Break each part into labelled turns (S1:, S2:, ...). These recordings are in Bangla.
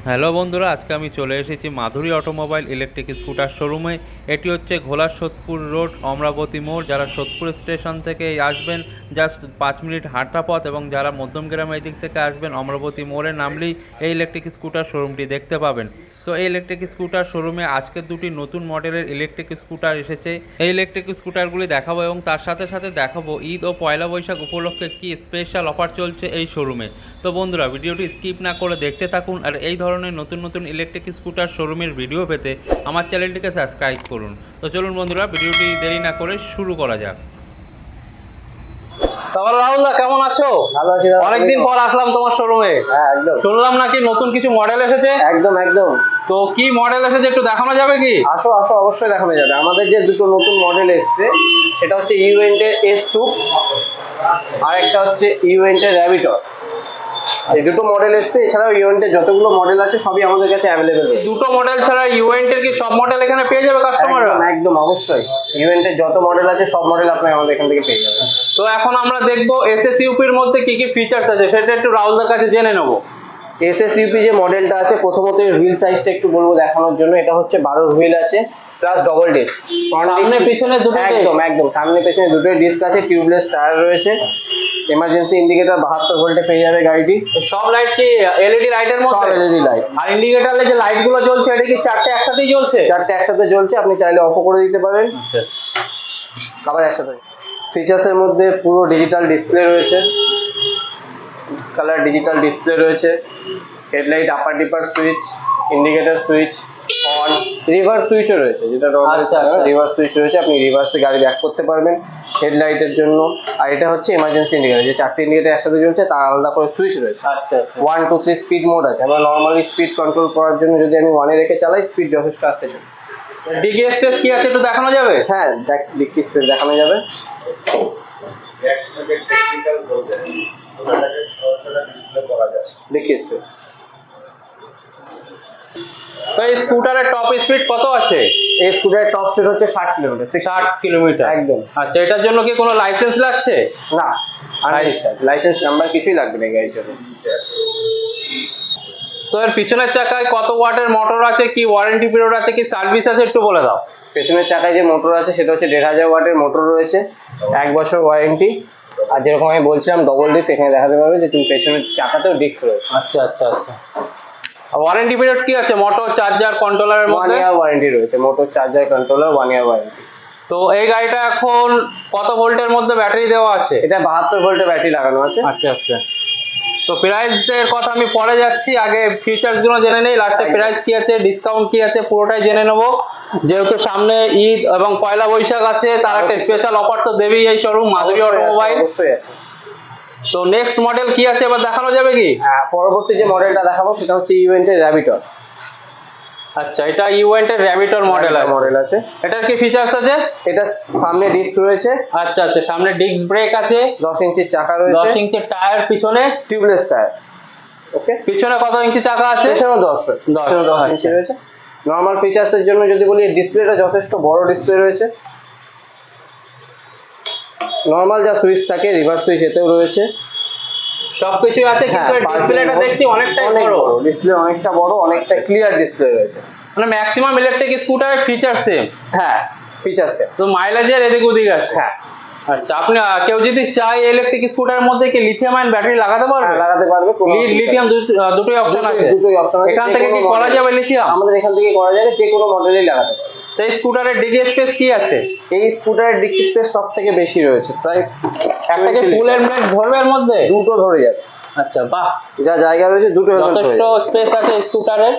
S1: হ্যালো বন্ধুরা, আজকে আমি চলে এসেছি মাধুরী অটোমোবাইল ইলেকট্রিক স্কুটার শোরুমে। এটি হচ্ছে ঘোলা সোদপুর রোড, অমরাবতী মোড়। যারা সোদপুর স্টেশন থেকে আসবেন জাস্ট 5 মিনিট হাঁটা পথ, এবং যারা মধ্যমগ্রাম এই দিক থেকে আসবেন অমরাবতী মোড়ে নামলেই এই ইলেকট্রিক স্কুটার শোরুমটি দেখতে পাবেন। তো এই ইলেকট্রিক স্কুটার শোরুমে আজকে দুটি নতুন মডেলের ইলেকট্রিক স্কুটার এসেছে। এই ইলেকট্রিক স্কুটারগুলি দেখাবো এবং তার সাথে সাথে দেখাবো ঈদ ও পয়লা বৈশাখ উপলক্ষে কি স্পেশাল অফার চলছে এই শোরুমে। তো বন্ধুরা, ভিডিওটি স্কিপ না করে দেখতে থাকুন, আর এই ধরনের নতুন নতুন ইলেকট্রিক স্কুটার শোরুমের ভিডিও পেতে আমার চ্যানেলটিকে সাবস্ক্রাইব করুন। তো চলুন বন্ধুরা, ভিডিওটি দেরি না করে শুরু করা যাক।
S2: তাহলে রাহুল দা, কেমন আছো?
S3: ভালো আছি দাদা।
S2: অনেকদিন পর আসলাম তোমার শোরুমে।
S3: হ্যাঁ, একদম।
S2: শুনলাম নাকি নতুন কিছু মডেল এসেছে।
S3: একদম একদম।
S2: তো কি মডেল এসেছে একটু দেখানো যাবে কি?
S3: আসো আসো, অবশ্যই দেখানো যাবে। আমাদের যে দুটো নতুন মডেল এসছে সেটা হচ্ছে ইউএন্টের S2 আর একটা হচ্ছে ইউএন্টের র্যাবিটর। এই দুটো মডেল এসছে। এছাড়াও ইউএন্টের যতগুলো মডেল আছে সবই আমাদের কাছে অ্যাভেলেবেল।
S2: দুটো মডেল ছাড়া ইউএন্টের কি সব মডেল এখানে পেয়ে যাবে কাস্টমাররা?
S3: একদম একদম, অবশ্যই। ইউএন্টের যত মডেল আছে সব মডেল আপনি আমাদের এখান থেকে পেয়ে যাবেন।
S2: তো এখন আমরা দেখবো এসএসইউপির মধ্যে কি কি ফিচার্স আছে সেটা একটু রাহুলদার কাছে জেনে নেবো।
S3: এসএসইউপি যে মডেলটা আছে, প্রথমত এর হুইল সাইজটা একটু বলবো দেখানোর জন্য। এটা হচ্ছে 12 হুইল আছে প্লাস ডবল ডিস্ক।
S2: সামনে পিছনে দুটো
S3: একদম একদম, সামনে পেছনে দুটোই ডিস্ক আছে। টিউবলেস টায়ার রয়েছে। এমার্জেন্সি ইন্ডিকেটর 72 ভোল্টে পেয়ে যাবে গাড়িটি।
S2: সব লাইট কি এলইডি লাইটের
S3: সব
S2: মধ্যে?
S3: LED light.
S2: আর ইন্ডিকেটরে যে লাইট গুলো জ্বলছে এটা কি চারটে একসাথেই জ্বলছে?
S3: চারটে একসাথে জ্বলছে, আপনি চাইলে অফও করে দিতে পারেন, আবার একসাথে। ফিচার্সের মধ্যে পুরো ডিজিটাল ডিসপ্লে রয়েছে, কালার ডিজিটাল ডিসপ্লে রয়েছে, headlight upper dipper switch, indicator switch on, reverse সুইচও রয়েছে, যেটা রিভার্স সুইচ রয়েছে। আপনি রিভার্সে গাড়ি ব্যাক করতে পারবেন হেডলাইটের জন্য। আর এটা হচ্ছে এমার্জেন্সি ইন্ডিকেটর, যে চারটে ইন্ডিকেটর একসাথে জ্বলছে তার আলাদা করে সুইচ রয়েছে।
S2: আচ্ছা
S3: 1 2 3 স্পিড মোড আছে। আমরা নর্মালি স্পিড কন্ট্রোল করার জন্য যদি আমি 1 এ রেখে চালাই, স্পিড যথেষ্ট আসতে চলে।
S2: ডিগি স্পেস কি আছে একটু দেখানো যাবে?
S3: হ্যাঁ, ডিক্কি স্পেস দেখানো যাবে। Dicky space.
S2: তো এই স্কুটারের টপ স্পিড কত আছে?
S3: এই স্কুটারের টপ স্পিড হচ্ছে 60 কিলোমিটার।
S2: 60 কিলোমিটার
S3: একদম।
S2: আচ্ছা, এটার জন্য কি কোনো লাইসেন্স লাগছে?
S3: না, আনরেজিস্টার্ড। লাইসেন্স নাম্বার কিছুই লাগবে না গাড়ির জন্য।
S2: তো এর পিছনের চাকায় কত ওয়াটের মোটর আছে, কি ওয়ারেন্টি পিরিয়ড আছে, কি সার্ভিস আছে একটু বলে দাও।
S3: পেছনের চাকায় যে মোটর আছে সেটা হচ্ছে 1500 ওয়াটের মোটর রয়েছে, 1 বছর ওয়ারেন্টি। আর যেরকম আমি বলছিলাম ডবল ডিস্ক, এখানে দেখাতে পারবে যে তুমি পেছনের চাকাতেও ডিস্ক রয়েছে।
S2: আচ্ছা আচ্ছা আচ্ছা। ওয়ারেন্টি পিরিয়ড কি আছে মোটর চার্জার কন্ট্রোলারের
S3: 1
S2: মধ্যে?
S3: ইয়ার ওয়ারেন্টি রয়েছে, motor charger controller 1 year warranty.
S2: তো এই গাড়িটা এখন কত ভোল্টের মধ্যে ব্যাটারি দেওয়া আছে?
S3: এটা 72 ভোল্টের ব্যাটারি লাগানো আছে।
S2: আচ্ছা আচ্ছা। তো প্রাইসের কথা আমি পরে যাচ্ছি, আগে ফিচার্স গুলো জেনে নেই, লাস্টে প্রাইস কি আছে, ডিসকাউন্ট কি আছে পুরোটাই জেনে নেবো। যেহেতু সামনে ঈদ এবং পয়লা বৈশাখ আছে, তার একটা স্পেশাল অফার তো দেবেই এই শোরুম মাধুরী অটোমোবাইল।
S3: অবশ্যই আছে।
S2: তো নেক্সট মডেল কি আছে এবার দেখানো যাবে কি?
S3: হ্যাঁ, পরবর্তী যে মডেলটা দেখাবো সেটা হচ্ছে ইউএন্টের র্যাবিটর।
S2: আচ্ছা, এটা ইউএন্টের র্যাবিটর মডেল আছে। এটার কি ফিচার্স আছে?
S3: এটা সামনে ডিস্ক রয়েছে।
S2: আচ্ছা আচ্ছা, সামনে ডিস্ক ব্রেক আছে,
S3: 10 ইঞ্চির চাকা রয়েছে,
S2: 10 ইঞ্চির টায়ার, পিছনে
S3: টিউবলেস টায়ার। ওকে,
S2: পিছনে কত ইঞ্চি চাকা আছে?
S3: পেছনেও 10 ইঞ্চি রয়েছে। নরমাল ফিচার্সের জন্য যদি বলি, ডিসপ্লেটা যথেষ্ট বড় ডিসপ্লে রয়েছে। নরমাল যা সুইচ থাকে রিভার্স সুইচ এতেও রয়েছে,
S2: সবকিছু আছে, কিন্তু ডিসপ্লেটা দেখছি অনেকটাই বড়।
S3: ডিসপ্লে অনেকটা বড়, অনেকটা ক্লিয়ার ডিসপ্লে রয়েছে।
S2: মানে ম্যাক্সিমাম ইলেকট্রিক স্কুটারের ফিচার সেম।
S3: হ্যাঁ, ফিচার্স সেম।
S2: তো মাইলেজের এদিক ওদিক আছে।
S3: হ্যাঁ।
S2: আচ্ছা, আপনি কেউ যদি চায় ইলেকট্রিক স্কুটারের মধ্যে কি লিথিয়াম আয়ন ব্যাটারি লাগাতে পারবে?
S3: লাগাতে পারবে।
S2: লিথিয়াম দুটোই অপশন আছে।
S3: দুটোই অপশন আছে।
S2: এখান থেকে কি করা যাবে লিথিয়াম?
S3: আমাদের এখান থেকে করা যাবে, যে কোনো মডেলই লাগাতে পারবে।
S2: তো এই স্কুটারের ডিগি স্পেস কি আছে?
S3: এই স্কুটারের ডিক্কি স্পেস সব থেকে বেশি রয়েছে, প্রায়
S2: একটা কি ফুল হেলমেট ধরবে এর মধ্যে?
S3: দুটো ধরে যাবে।
S2: আচ্ছা বাহ,
S3: যা জায়গা রয়েছে দুটো হেলমেট ধরে
S2: যথেষ্ট
S3: যাবে।
S2: স্পেস আছে স্কুটারের।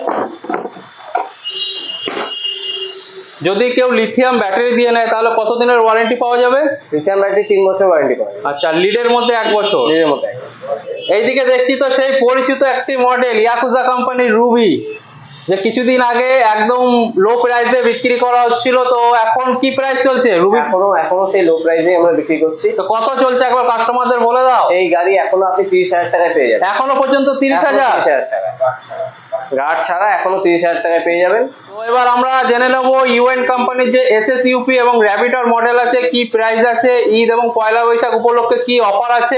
S2: যদি কেউ লিথিয়াম ব্যাটারি দিয়ে নেয় তাহলে কতদিনের ওয়ারেন্টি পাওয়া যাবে?
S3: লিথিয়াম ব্যাটারি 3 বছর ওয়ারেন্টি পাওয়া যাবে।
S2: আচ্ছা, লিডের মধ্যে 1 বছর।
S3: এর মধ্যে
S2: এইদিকে দেখছি তো সেই পরিচিত একটি মডেল ইয়াকুজা কোম্পানির রুবি, যে কিছুদিন আগে একদম লো প্রাইসে বিক্রি করা হচ্ছিল। তো এখন কি প্রাইস চলছে রুবি?
S3: এখনো সেই লো প্রাইসে আমরা বিক্রি করছি।
S2: তো কত চলছে একবার কাস্টমারদের বলে দাও।
S3: এই গাড়ি এখনো আপনি 30,000 টাকায় পেয়ে যাবেন।
S2: এখনো পর্যন্ত 30,000
S3: টাকা গার্ড ছাড়া এখনো 30,000 টাকায় পেয়ে যাবেন।
S2: তো এবার আমরা জেনে নেব ইউএন কোম্পানির যে এসএসইউপি এবং র্যাবিটর মডেল আছে, কি প্রাইস আছে, ঈদ এবং পয়লা বৈশাখ উপলক্ষে কি অফার আছে,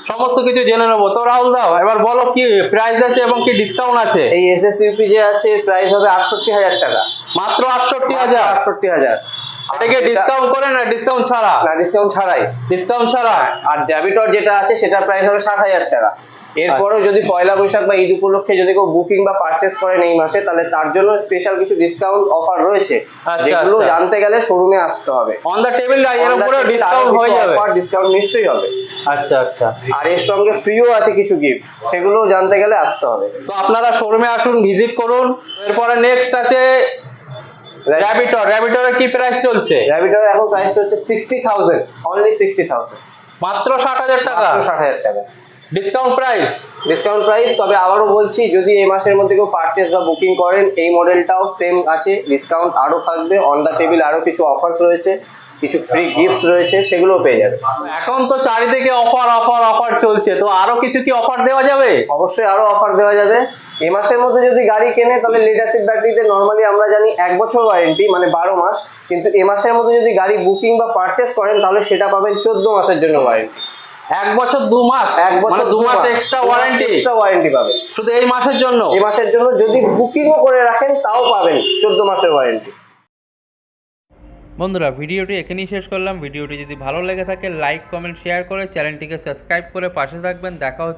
S2: সমস্ত কিছু জেনে নেবো। তো রাহুল দাও এবার বলো কি প্রাইস আছে এবং কি ডিসকাউন্ট আছে?
S3: এই এসএস ইউপি যে আছে প্রাইস হবে 68,000 টাকা,
S2: মাত্র 68,000।
S3: 68,000।
S2: এটা কি ডিসকাউন্ট করে না ডিসকাউন্ট ছাড়া?
S3: না, ডিসকাউন্ট ছাড়াই।
S2: ডিসকাউন্ট ছাড়া।
S3: আর ডেবিটর যেটা আছে সেটার প্রাইস হবে 60,000 টাকা। এরপরেও যদি পয়লা বৈশাখ বা ঈদ উপলক্ষে যদি কেউ বুকিং বা পারচেস করেন এই মাসে, তাহলে তার জন্য স্পেশাল কিছু ডিসকাউন্ট অফার রয়েছে,
S2: আচ্ছা,
S3: যেগুলো
S2: আচ্ছা।
S3: জানতে গেলে শোরুমে আসতে হবে।
S2: অন দ্য টেবিল এর উপরে ডিসকাউন্ট হয়ে যাবে।
S3: ডিসকাউন্ট নিশ্চয়ই হবে।
S2: আচ্ছা আচ্ছা।
S3: আর এর সঙ্গে ফ্রিও আছে কিছু গিফট, সেগুলো জানতে গেলে আসতে হবে।
S2: তো আপনারা শোরুমে আসুন, ভিজিট করুন। এরপরে নেক্সট আছে র্যাবিটর। র্যাবিটরের কি প্রাইস চলছে?
S3: র্যাবিটর এখন প্রাইস হচ্ছে 60,000, অনলি 60,000,
S2: মাত্র 60,000 টাকা।
S3: মাত্র 60,000 টাকা
S2: ডিসকাউন্ট প্রাইস।
S3: Discount price. তবে আবারও বলছি, যদি এই মাসের মধ্যে কেউ পারচেস বা বুকিং করেন, এই মডেলটাও সেম আছে, ডিসকাউন্ট আরো থাকবে। অন দা টেবিল আরো কিছু অফার্স রয়েছে, কিছু ফ্রি গিফটস রয়েছে, সেগুলোও পেয়ে যাবে।
S2: এখন তো চারিদিকে অফার অফার অফার চলছে, তো আরো কিছু কি অফার দেওয়া যাবে?
S3: অবশ্যই আরো অফার দেওয়া যাবে। এই মাসের মধ্যে যদি গাড়ি কেনে, তাহলে লেড অ্যাসিড ব্যাটারিতে নর্মালি আমরা জানি 1 বছর ওয়ারেন্টি, মানে 12 মাস। কিন্তু এই মাসের মধ্যে যদি গাড়ি বুকিং বা পারচেস করেন, তাহলে সেটা পাবেন 14 মাসের জন্য ওয়ারেন্টি।
S2: 1 বছর 2 মাস,
S3: 1 বছর
S2: 2 মাস এক্সট্রা ওয়ারেন্টি।
S3: এক্সট্রা ওয়ারেন্টি পাবেন
S2: শুধু এই মাসের জন্য।
S3: এই মাসের জন্য যদি বুকিংও করে রাখেন, তাও পাবেন 14 মাসের ওয়ারেন্টি।
S1: বন্ধুরা, ভিডিওটি এখানেই শেষ করলাম। ভিডিওটি যদি ভালো লেগে থাকে লাইক কমেন্ট শেয়ার করে চ্যানেলটিকে সাবস্ক্রাইব করে পাশে থাকবেন। দেখা হচ্ছে